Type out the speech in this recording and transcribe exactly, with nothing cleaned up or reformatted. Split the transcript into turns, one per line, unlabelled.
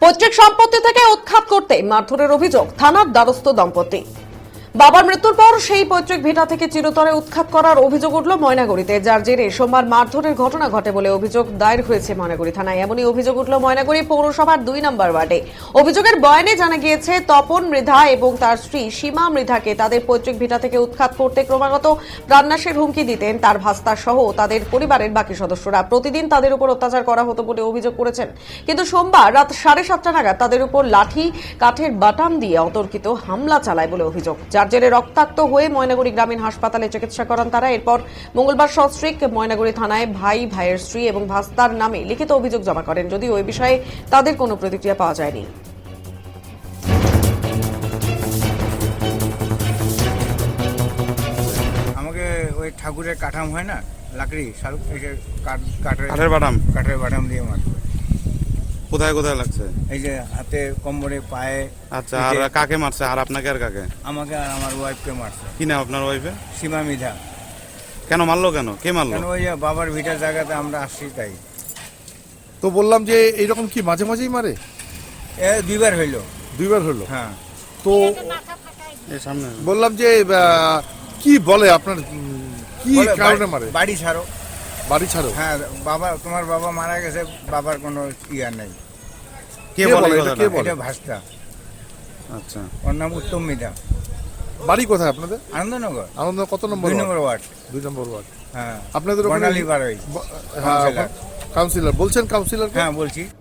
পৈতৃক সম্পত্তি থেকে উৎখাত করতে মারধরের অভিযোগ থানার দ্বারস্থ দম্পতি। বাবার মৃত্যুর পর সেই পৈতৃক ভিটা থেকে চিরতরে উৎখাত করার অভিযোগ উঠল ময়নাগুড়িতে, যার জেরে সোমবার মারধরের ঘটনা ঘটে বলে অভিযোগ দায়ের হয়েছে ময়নাগুড়ি থানায়। এমনই অভিযোগ উঠল ময়নাগুড়ি পৌরসভার দুই নম্বর ওয়ার্ডে। অভিযোগের বয়ানে জানা গিয়েছে, তপন মৃধা এবং তার স্ত্রী সীমা মৃধাকে তাদের পৈতৃক ভিটা থেকে উৎখাত করতে ক্রমাগত প্রাণনাশের হুমকি দিতেন তার ভাস্তা সহ তাদের পরিবারের বাকি সদস্যরা। প্রতিদিন তাদের উপর অত্যাচার করা হতো বলে অভিযোগ করেছেন। কিন্তু সোমবার রাত সাড়ে সাতটা নাগাদ তাদের উপর লাঠি কাঠের বাটাম দিয়ে অতর্কিত হামলা চালায় বলে অভিযোগ, যার জেরে রক্তাক্ত হয়ে ময়নাগুড়ি গ্রামীণ হাসপাতালে চিকিৎসা করান তারা। এরপর মঙ্গলবার সস্ত্রীক ময়নাগুড়ি থানায় ভাই, ভাইয়ের স্ত্রী এবং ভাস্তার নামে লিখিত অভিযোগ জমা করেন, যদিও ওই বিষয়ে তাদের কোনো প্রতিক্রিয়া পাওয়া যায়নি।
আমাকে ওই ঠাকুরের কাঠাম হয় না, লাকড়ি শালুক কাঠের
কাঠের বাটাম
কাঠের বাটাম দিয়ে মারবে।
কোথায় কোথায় লাগছে?
এই যে হাতে, কোমরে, পায়ে।
আচ্ছা, আর কাকে মারছে? আর আপনাকে আর কাকে?
আমাকে আর আমার ওয়াইফকে মারছে।
কি নাম আপনার ওয়াইফে?
সীমা মৃধা।
কেন মারলো? কেন কে মারলো?
কেন ওই যে বাবার ভিটার জায়গাতে আমরা আসছি তাই।
তো বললাম যে এইরকম কি মাঝে মাঝেই মারে?
এ দুইবার হইলো।
দুইবার হলো?
হ্যাঁ।
তো
এই সামনে
বললাম যে আহ, কি বলে আপনার, উম, কি
বলে,
কারণে
বাড়ি-
মারে?
বাড়ি ছাড়ো।
বাড়ি ছাড়ো?
হ্যাঁ, বাবা, তোমার বাবা মারা গেছে, বাবার কোনো ইয়া নেই।
কে
কে
বলে
বলে
এই
এটা?
কথাটা?
কে বলে?
এটা ভাস্তা।
আচ্ছা,
ওর নাম উত্তম মৃধা।
বাড়ি কোথায় আপনাদের?
আনন্দনগর
আনন্দ কত নম্বর
দুই
ওয়ার্ড?
নম্বর ওয়ার্ড।
দুই নম্বর ওয়ার্ড।
হ্যাঁ,
আপনাদের ওখানে
বর্ণালী বাড়াই।
ব- হ্যাঁ,
কাউন্সিলর।
কাউন্সিলর বলছেন? কাউন্সিলর
হ্যাঁ বলছি।